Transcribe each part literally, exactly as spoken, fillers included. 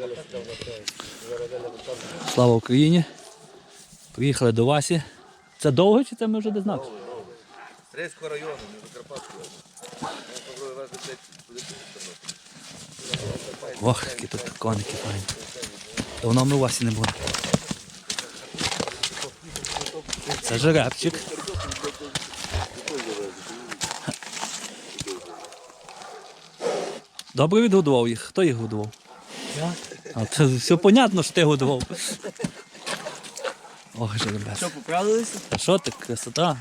Слава Україні. Приїхали до Васі. Це довго чи це ми вже десь знали? Стрийського району, не до Карпатського. Ох, які тут коники файні. Давно ми у Васі не були. Це жеребчик. Добре відгодував їх. Хто їх годував? Я. А це все понятно, що ти годував. Ох, жеребець. Що, поправилися? А що ти, красота?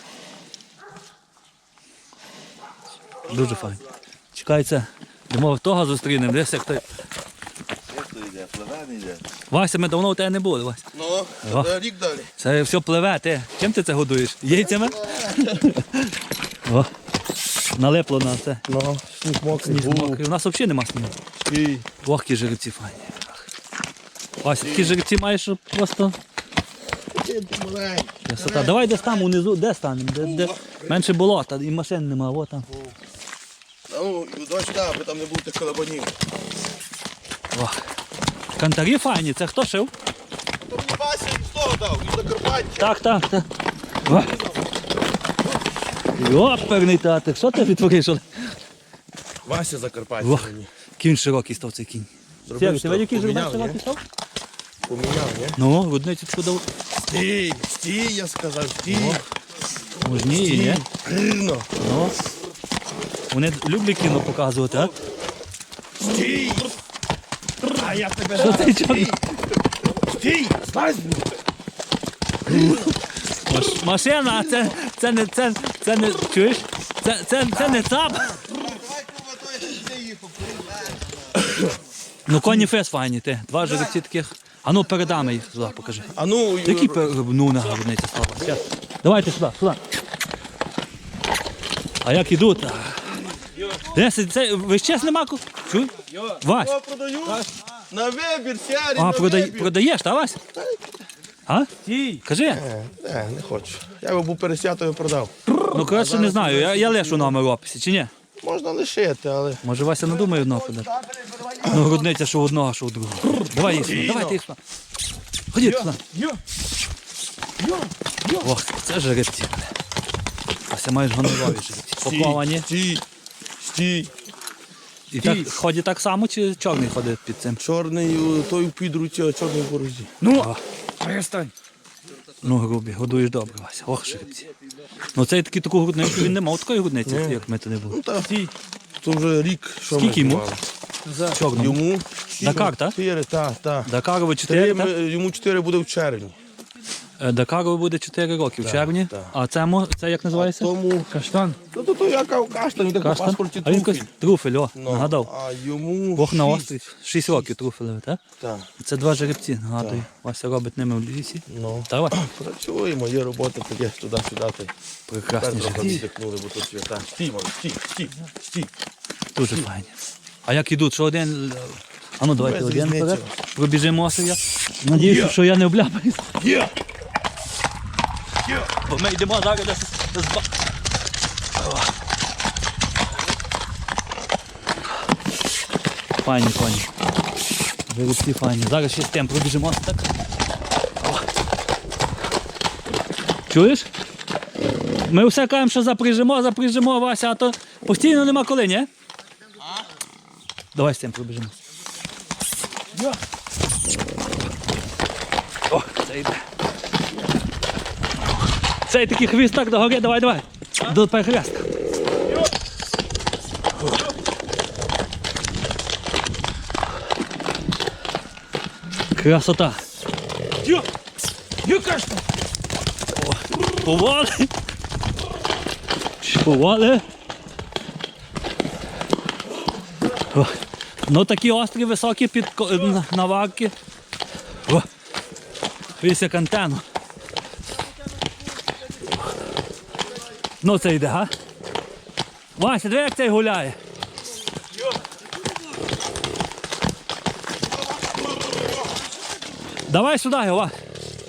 Дуже файно. Чекається, думав, того зустрінемо, десь як той. Як то йде? Пливе не йде? Вася, ми давно у тебе не були, Вася. Ну, О. це рік далі. Це все пливе, ти. Чим ти це годуєш? Яйцями? О, налипло на це. Ну, сніг мокрий. Сніг мокрий. У нас взагалі нема снігу. І Ох, які жеребці файні. Вася, такі жеребці маєш щоб просто маленький. красота. Давай десь там унизу, де станемо? Де, де... Менше болота і машин нема, о там. Ну, дощ так, аби там не був тих колобанів. Ох. Кантарі файні, це хто шив? То мені Вася з того дав, із Закарпаття. Так, так, так. О. Йоперний татик, що ти відтвориш? Вася Закарпаття Ох, мені. кінь широкий став цей кінь. Зробив, Ти бачиш, який жеребець поміняв, широкий ні? став? Поміняв, ні? Ну, рудницю дав. Стій, стій, я сказав, стій. Мужніє, ні? Рівно. Ну. Вони люблять кіно показувати, а? Стій. А я тебе Що ти зараз. чорний? Стій, злазь. Маш- Машина, а це, це не, це, це не, чуєш? Це, це, це не цап. Давай, кума, то я сюди їхав. Ну, коні фес файні, ти. Два жеребці таких. А ну, передами їх сюди, покажи. А ну, Які пер... ну, на гарниці слава. Щас. Давайте сюди, сюди. А як ідуть? Десь, це, весь час нема ку... Чуй? Вась. я продаю на вибір, сярі, А, на продай, вибір. продаєш, та Вась? А? Кажи. Не, не, не хочу. Я його був пересятою продав. Ну, коротше, не знаю, я, я лишу номер в описі, чи ні? Можна лишити, але... Може, Вася надумає одного подати? Ну, грудниця, що в одного, що в другого. Давай їх сюди, давайте їх сюди. Ходіть сюди. Ох, це жеребці. Вася, маєш гонорові жеребці. Паковані. Стій, стій. І так ходить так само, чи чорний ходить під цим? Чорний, о, той у підруці, а чорний в борозі. Ну, перестань. Ну, грубі, годуєш добре, Вася. Ох, жеребці. Ну, цей такий таку грудницю, він не мав такої грудниці, як ми то не були. Ну так, то вже рік, що ми Скільки йому? знімали. Чорному. Йому? Дакар, так? Чотири, так, так. Дакарові чотири, Три, так? ми- Йому чотири буде в червні. Е, Дакарові буде чотири роки в червні. так. А це, мо- це як називається? Тому... Каштан. Ну, то, то я кажу каштан, він так по Каштан? паспорті А він труфель. якось труфель, о, Ну, нагадав. А йому Бог на шість. острів. Шість років труфелеві, так? Так, Це два жеребці, нагадую. Вася робить ними в лісі. ну. Давай. Працюємо, є робота, таке туди-сюди. та й Прекрасні тепер трохи жеребці. віддихнули, бо тут свята. Стій, мали, стій, стій, стій. Дуже файні. А як ідуть, що один... А ну давайте Без один різниці. вперед. Пробіжимо я. Надіюся, що я не обляпаюсь. Є! Бо ми йдемо зараз десь десь ба- О. Файні коні. Жеребці файні. Зараз ще з тим пробіжимо так. О. Чуєш? Ми все кажемо, що запряжемо, запряжемо, Вася, а то постійно нема коли, ні? Давай з тим пробіжимо. О, це йде. Цей такий хвіст так догори, давай, давай. До перехрестка. Красота. Йо! Йо, кашта! Повали. Повали. О, ну такі острі, високі під ко- на- наварки. О, весь як антенну. Ну це йде, га? Вася, диви, як цей гуляє. Давай сюди його, Вася.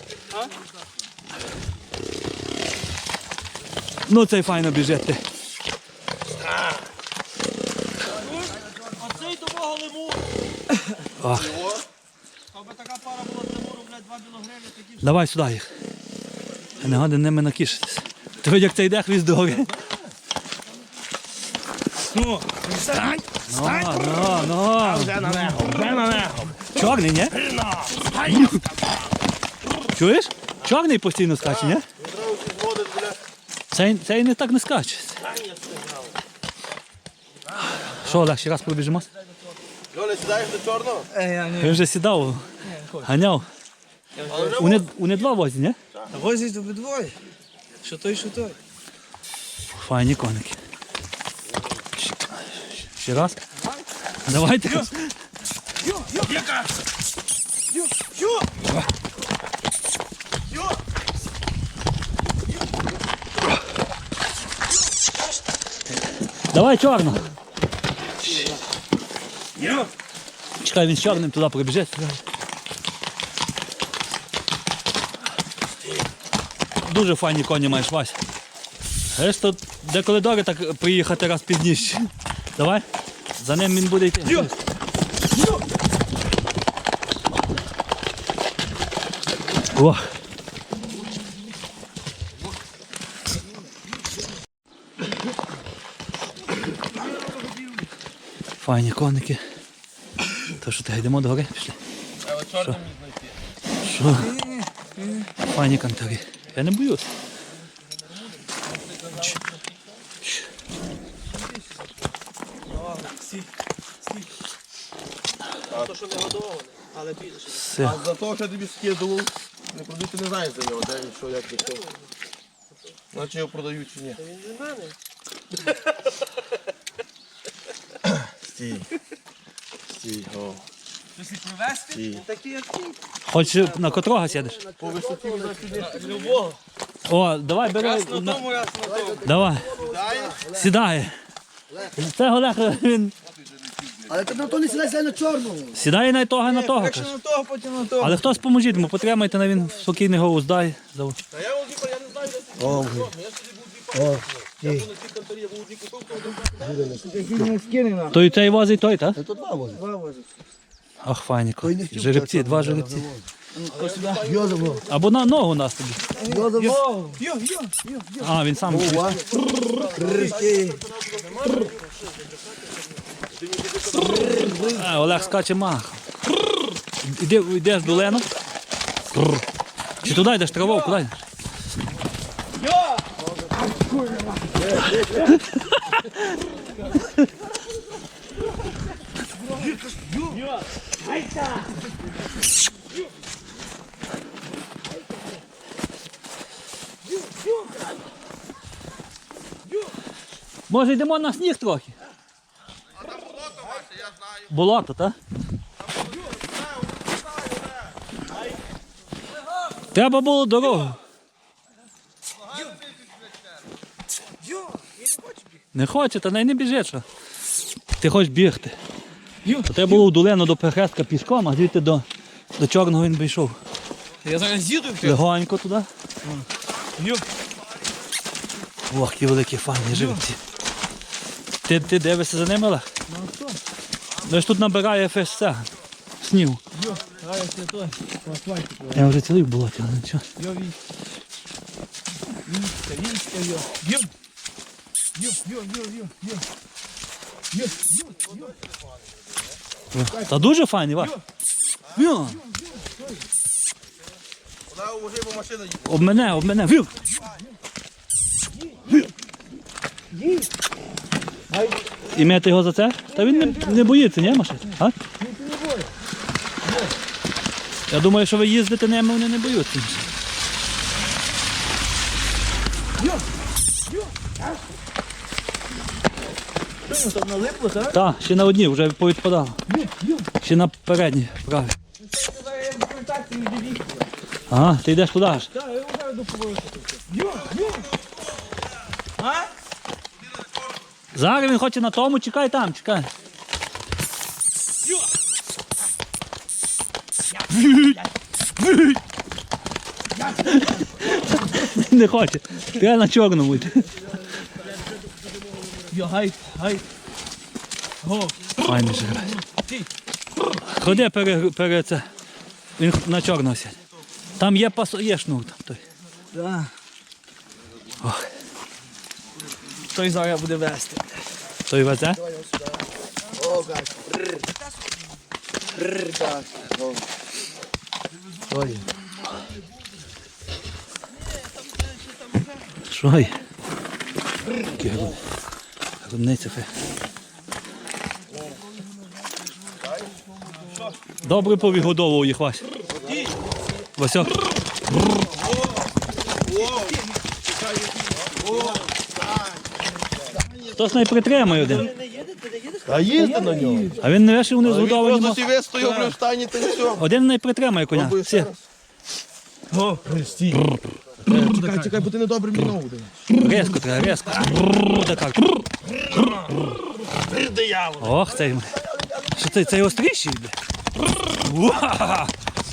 Ну цей файно біжить ти. Оцей до мого лиму. Ах. Його. Аби така пара була з Тимуру, блядь, два білогриві, такі Давай сюди їх. Не гади ними накішитись. Ти видь, як це йде хвіст дороги. Ну, встань! Ну, ну, ну. Вже на нього, вже на нього! Чорний, ні? Чуєш? Чорний постійно скаче, ні? Одразу зводить, бля. Цей, цей не так не скаче. Що, Олег, ще раз пробіжимо? Льоля, сідаєш до чорного? Е, я Він не... вже сідав, ганяв. Але вже Вони, вони два возять, ні? Возять обидвоє. Що той, що той. Файні коники. Ще раз. Давайте. Йо, йо, яка? Йо, йо! Йо! Давай чорно. Йо! Чекай, він з чорним туди пробіжить. Дуже файні коні маєш, Вась. Знаєш, тут деколи добре так приїхати раз пізніше. Давай. За ним він буде йти. Йо! Йо! О. Файні коники. То що ти йдемо до гори? Пішли. Але чорний міг знайти. Що? Файні кантори. Я не боюсь. Ч. Ч. Стій, стій. То, що не годоване, але підеш. Все. А за того, що я тобі скидував, не продати не знаєш за нього, де він, що, як і що. Наче його продають чи ні. Він для мене. Стій. Стій, о. Якщо привезти, Стій. він такий, як ти. Хоч на котрого сядеш? По висоті він сюди. Любого. О, давай бери. Раз на на- тому, раз на тому. Давай. Сідає. Сідає. Це Олег, він Але ти на то не сідай, сідай на чорному. сідає на того, на того. Перше каже. на того, потім на того. Але хтось поможіть йому, потримайте на він спокійний голос дай. Зав- Та я його я не знаю, де ти. О, Я собі був дві палки. Я був на цій конторі, я був дві кутовки, один не скине нам. Той цей возить, той, так? Це то два возить. Два возить. Ах, файні. Той не хотів Жеребці, так, два так, жеребці. Хто сюди? Йозефо. Або на ногу нас тобі. Йозефо. Йо, йо, йо, йо, йо. А, він сам. Ова. Кришки. А, Олег скаче мах. Іди, йдеш до Лену. Чи туди йдеш траву, куди йдеш? Йо! Може йдемо на сніг трохи? А там болото ваше, я знаю. Болото, так? Треба було дорогу. Йо! Він не хоче бігти. Не хоче, та най не біжить, що. Ти хочеш бігти. Йо! То треба було в долину до Перехрестка пішком, а звідти до, до Чорного він прийшов. Я зараз їду. Легонько туди. Йо! Ох, які великі файні живці. Ти, ти дивишся за ними, Олег? Ну що? Ну ж тут набирає ФСЦ. Снів. Йо! А я це той. По асфальту. Я вже цілий в болоті, але нічого. Йо, він. Вінська, вінська, йо. Йо! Йо, йо, йо, йо, йо. Йо, йо, йо. Та дуже файний, Ваш. Йо. Вона у бо машина їде. Об мене, об мене. Вів. І м'яти його за це? Та він не, не боїться, ні, машин? А? Я думаю, що ви їздите ними, вони не боються. Що, там налипло, так? Так, ще на одній, вже повідпадало. Ще на передній, праві. Зараз я в контакті не дивіться. Ага, ти йдеш туди аж. Так, я вже до повороту. Йо, йо. А? Зараз він хоче на тому, чекай там, чекай. Не хоче. Треба на чорному йти. Йо, гайд, гайд. Го. Файний жеребець. Ти. Ходи пере, пере це. Він на чорного сядь. Там є пасо, є шнур там той. Да. Ох, Той зараз буде вести. той везе. О, гаш. Рррр. Рррр, гаш. О. Ой. Що є? Які гру- грудниця фе. Добре повігодовував їх, Вась. Васьок. Хтось не притримає один. А їздите на нього. А він не вешив, вони Він згодовані. просто сіве стояв при встані, та й все. Один не притримає коня. Пробуй Всі. ще раз. Стій. Чекай, чекай, бо ти недобре мені ногу даєш. Резко треба, резко. Брррр, так. Ох, цей. Що це, цей остріший? бля? Уа!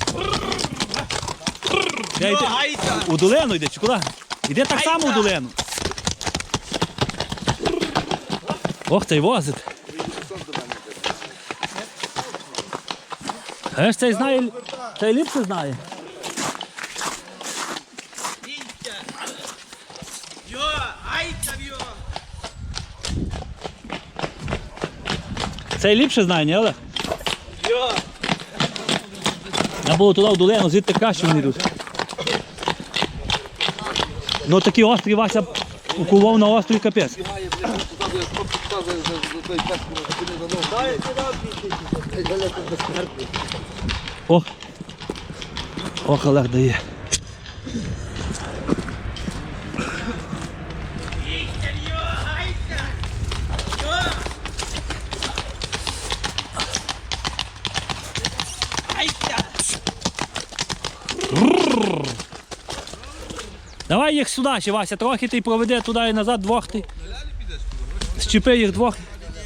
Я йде, у долину йде, чи куди? Іде так само у долину. Ох, цей возить. Е ж цей знає, цей ліпше знає. Цей ліпше знає, ні, Олег? Я було туди в долину, звідти краще вони йдуть. Ну такі острі Вася укував на острій капець. Ох. Ох, Олег дає. Давай їх сюди ще, Вася, трохи ти проведе туди і назад двох ти. Щепи їх двох.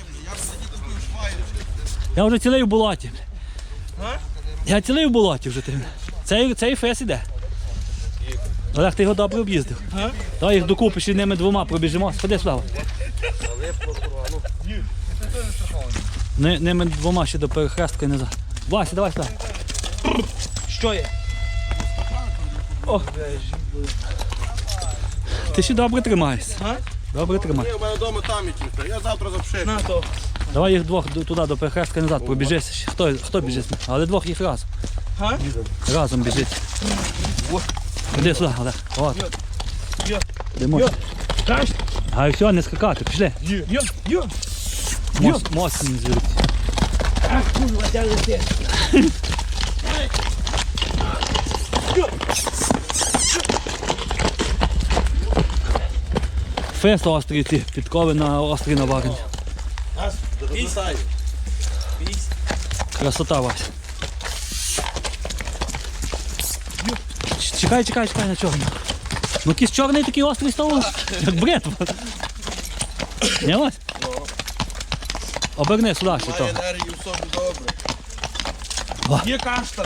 Я вже цілий в болоті. Я цілий в болоті вже ти. Цей, цей фес іде. Олег, ти його добре об'їздив. Давай їх докупи, ще ними двома пробіжимо. Сходи сюди. Ни- Ними двома ще до перехрестка і назад. Вася, давай сюди. Що є? Ти ще добре тримаєшся. А? Добре тримай. Ні, у мене вдома там і тільки. Я завтра запшив. На то. Давай їх двох до- туди до перехрестка і назад пробіжися. ще. Хто, хто біжить? Але двох їх разом. А? Разом біжить. Іди сюди, Олег. От. Йо. Йдемо. Краш. А і все, не скакати, пішли. Йо, йо. Мост, мост не звідти. Ах, курва, де летиш? Фест острий ті, підкови на острі наварені. Красота, Вася. Ч- Чекай, чекай, чекай на чорний. Ну якийсь чорний такий острий став, як бритва. Не Вась? Оберни сюди ще то. Має енергію в собі добре. Є каштани.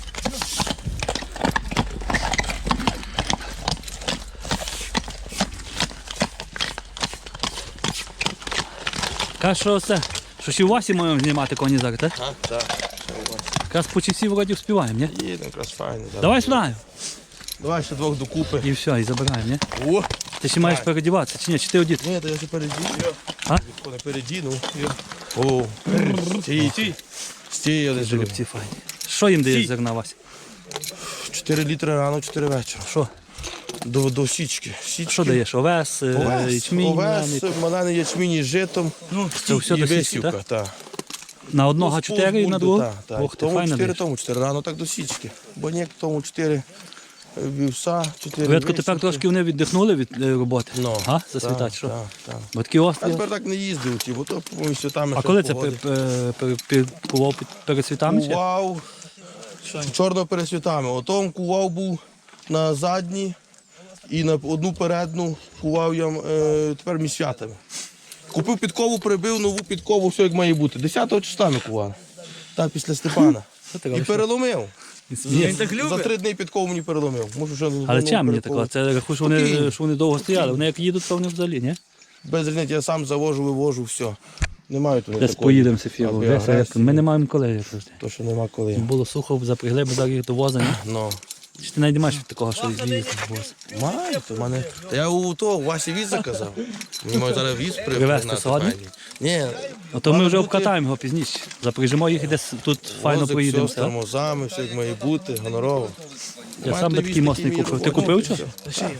Каже, що це, що ще в Васі маємо знімати коні зараз, так? Так, так. Якраз по часі вроді вспіваємо, ні? Їдемо, якраз файно. да. Давай сюди. Давай ще двох докупи. І все, і забираємо, ні? О! Ти ще маєш передіватися, чи ні? Чи ти одіти? Ні, то я ще передіну. А? Не передіну. О, стій, стій. Стій, один жеребці. Жеребці файні. Що їм даєш зерна, Вася? чотири літри рано, чотири вечора. Що? До, до січки. Січки. Що даєш? Овес, е, Овес, ячмінь, овес, м'яний? малений ячмінь із житом. Ну, Це все і до січки, висівка, так? так. На одного чотири і на другого? Так, так. Ох, ти Тому файно чотири, даєш. тому чотири рано, так до січки. Бо ні, тому чотири вівса, чотири Видко, тепер висівки. трошки вони віддихнули від е, роботи. Ну, А? так, Засвітать, що? Так, так. Бо такі Я острі. тепер так не їздив, ті, бо то по святами. А ще коли це погоди. пе- пе- пе- пе- кував під- перед світами? чи? Кував чорно перед святами. Отом кував був на задні і на одну передну кував я е, тепер між святами. Купив підкову, прибив нову підкову, все як має бути. десятого числа ми кували. Так, після Степана. Що ти І робиш? переломив. Він так За любить. три дні підкову мені переломив. Можу вже Але знову чим мені переколоти. такого? Це рахую, що вони, Спокійно. що вони довго стояли. Вони як їдуть, то вони взагалі, ні? Без різниці, я сам завожу, вивожу, все. Не мають вони Десь такої. поїдемо з ефіру. аби Десь, агресії. Ми не маємо коли завжди. То, що нема коли. Було сухо, запрягли, бо зараз їх до воза. ні? Ну. Чи ти навіть не маєш такого, що їздити в воз? Маю, то в мене. Та я у того, у Васі віз заказав. Мені мають зараз віз при- Привезти пригнати сьогодні? файний. Ні, Ото ми мали вже бути обкатаємо його пізніше. Запряжемо їх і десь тут файно возик, проїдемо. все з тормозами, все як має бути, гонорово. Я Маю сам би той такий віз, моцний такий купив. мій Ти купив робочий, що? все.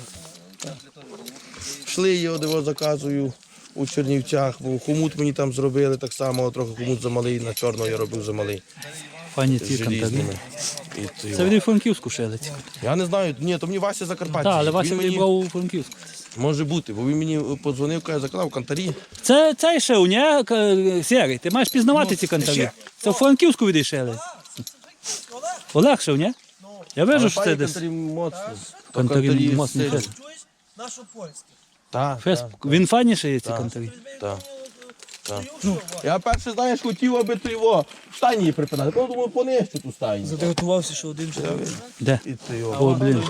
Шли його, де його заказую у Чернівцях, бо хомут мені там зробили так само, трохи хомут замалий, на чорного я робив замалий. Файні З ці кантарі. желізними. І то його. Це від Франківську шили. ці. Я не знаю, ні, то мені Вася Закарпаття. Так, але Вася Він мені- вибрав у Франківську. Може бути, бо він мені подзвонив, каже, заказав кантарі. Це цей шив, ні? К- Сірий, ти маєш пізнавати ці кантарі. ще. Це в Франківську відійшли. Олег шив, ні? Я Але вижу, що це файні десь. кантарі моцні. То Кантарі з моцні сиром. фес. Нашу польську. Так, Фес. так, Він файні шиє ці кантарі. так. так. Я перше, знаєш, хотів, аби ти його в стайні її припинати. Потім думаю, понищу ту стайню. Заготувався, що один вже. Де? І ти його. О, блін.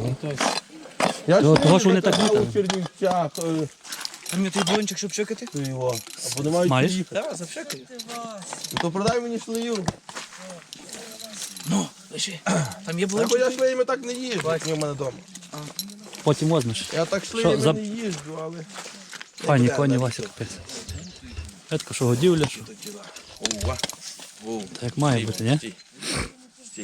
Я Того, ж того, що вони так заказав літали. у Чернівцях, е, А мені той блончик, щоб чекати? ти його. Або не мають Маєш? приїхати. Так, запшекаю. То продай мені шлею. Ну, лиши. Там є Бо блончик. я шлеями так не їжджу, як в мене вдома. Потім возьмеш. Я так шлеями за- не їжджу, але... Файні коні, Вася капець. Редко, що годівля, що. Ова. Воу. Так як має бути, ні? Стій. Стій.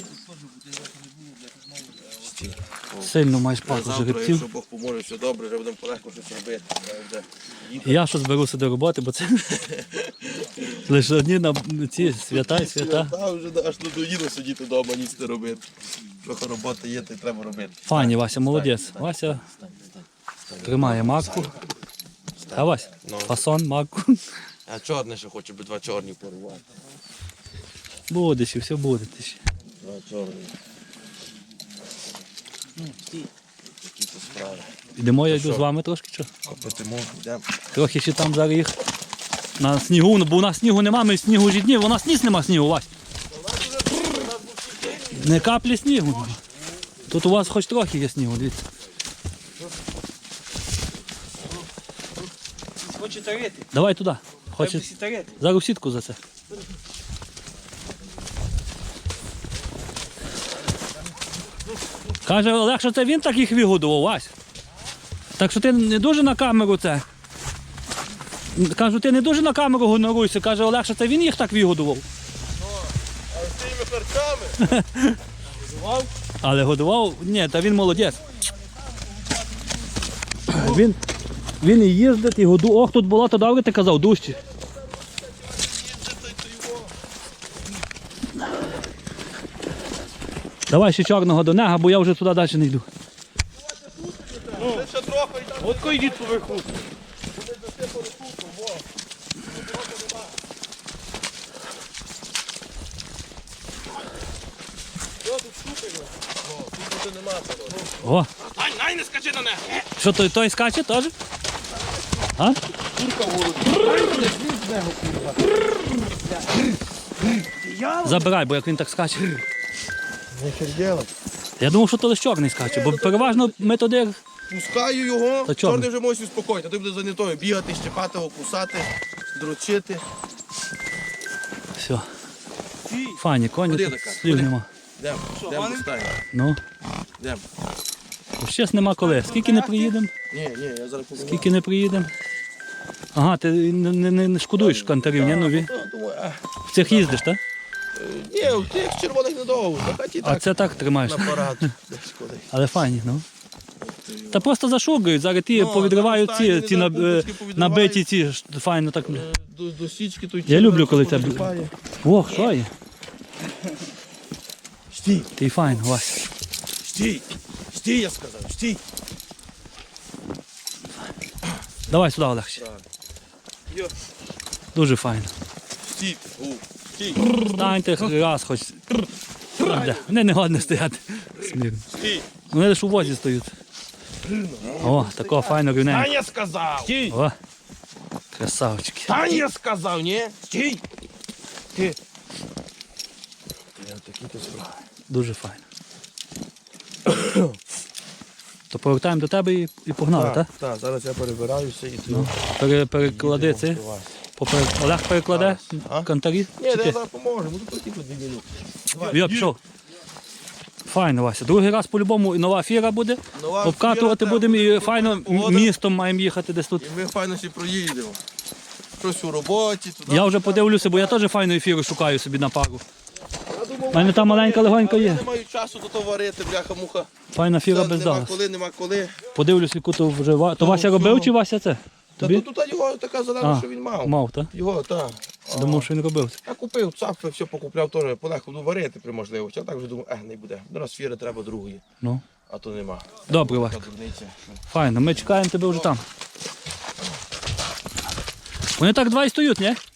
Стій. Сильно маєш паку Завтра, жеребців. якщо Бог поможе, все добре, вже будемо полегко щось робити. Треба буде їхати. І я що зберуся до роботи, бо це лише одні на ці свята і свята. Та вже аж надоїло сидіти вдома, ніч не робити. Трохи роботи є, то й треба робити. Файні, Вася, молодець. Вася тримає макку. А Вася? Ну. Фасон, макку. А чорне ще хочу би два чорні порвати. Буде ще, все буде. Ти ще. Два чорні. Такі то справи. Йдемо, я йду що? з вами трошки, що? Копити можу, йдемо. Трохи ще там зараз їх на снігу, ну, бо у нас снігу нема, ми снігу ж днів, у нас ніс нема снігу, Вась. Не каплі снігу нема. Тут у вас хоч трохи є снігу, дивіться. Хоче тарити. Давай туди. Хоче... Всі тарити. Зараз в сітку за це. Каже, Олег, що це він так їх вигодував, Вась. Так що ти не дуже на камеру це. Кажу, ти не дуже на камеру гоноруйся. Каже, Олег, що це він їх так вигодував. А з тими харчами? Але годував, ні, та він молодець. Він, він і їздить, і году. Ох, тут болото добре, ти казав, дужче. Давай ще чорного до нега, бо я вже туди далі не йду. Ще трохи і там. От йдіть поверху. О, Ай, най, не скачи на неї. що той, той скаче теж? А? Забирай, бо як він так скаче. Не хердєла. Я думав, що то лише чорний скаче, бо переважно ми туди. Пускаю його, Та чорний. чорний вже може успокоїти, а ти буде зайнятою бігати, щепати його, кусати, дрочити. Все. Файні, коні, Ходи, тут Захар, слів ходи. нема. Йдемо, йдемо до стайні. Ну, Йдемо. ще нема коли. Скільки не приїдемо? Ні, ні, я зараз побігаю. Скільки не приїдемо? Ага, ти не, не, не- не шкодуєш кантарів, ні? Ну, ві- Та, думаю, а, в цих їздиш, так? е, ні, у тих червоних недовго, на хаті А так, це так тримаєш. на парад. Десь куди. Але файні, ну. Та просто зашугають, зараз ті Ну, повідривають зараз ці, стайні, ці на, зараз е, пупочки повідривають. набиті ці, ж, файно так. Е, До, до січки той Я червоний люблю, коли це- потріпає. Ох, що є? Стій, Ти файн, Вася. стій, стій, я сказав, стій. Давай сюди, Олег. ще. Йо. Дуже файно. Стій, у, стій, Станьте раз хоч. Де? Вони не годні стояти. Смірно. стій. Вони лише у возі стоять. О, такого файно рівненько. Таня сказав. Стій. О, красавчики. Таня сказав, ні? Стій. Ти. Такі то справи. Дуже файно. То повертаємо до тебе і, і погнали, так? Так, так, зараз я перебираюся і ти. Пере, переклади це. Попер- Олег перекладе А? кантарі. Ні, Чи я ти? зараз поможу, буду платити дві минути. Я пішов. Файно, Вася. Другий раз по-любому і нова фіра буде. Нова Обкатувати фіра, будемо і треба файно буде погода. містом маємо їхати десь тут. І ми файно всі проїдемо. Щось у роботі, туди. Я вже подивлюся, бо я теж файну ефіру шукаю собі на пару. У мене там маленька легонька Я є. не маю часу до того варити, бляха-муха. Файна фіра Все, без Нема дала. коли, нема коли. Подивлюсь, яку то вже ва- То Ну, Вася робив всього. чи Вася це? Та Тобі? тут тут його така зелена, А, що він мав. Мав, так? Його, так. Думав, що він робив. Я купив цапи, все покупляв теж, полегко буду варити при можливості. А так вже думаю, е, не буде. До нас фіри треба другої, Ну. а то нема. Добре, Така Васька. дурниця. Файно, ми чекаємо тебе вже там. Вони так два і стоять, ні?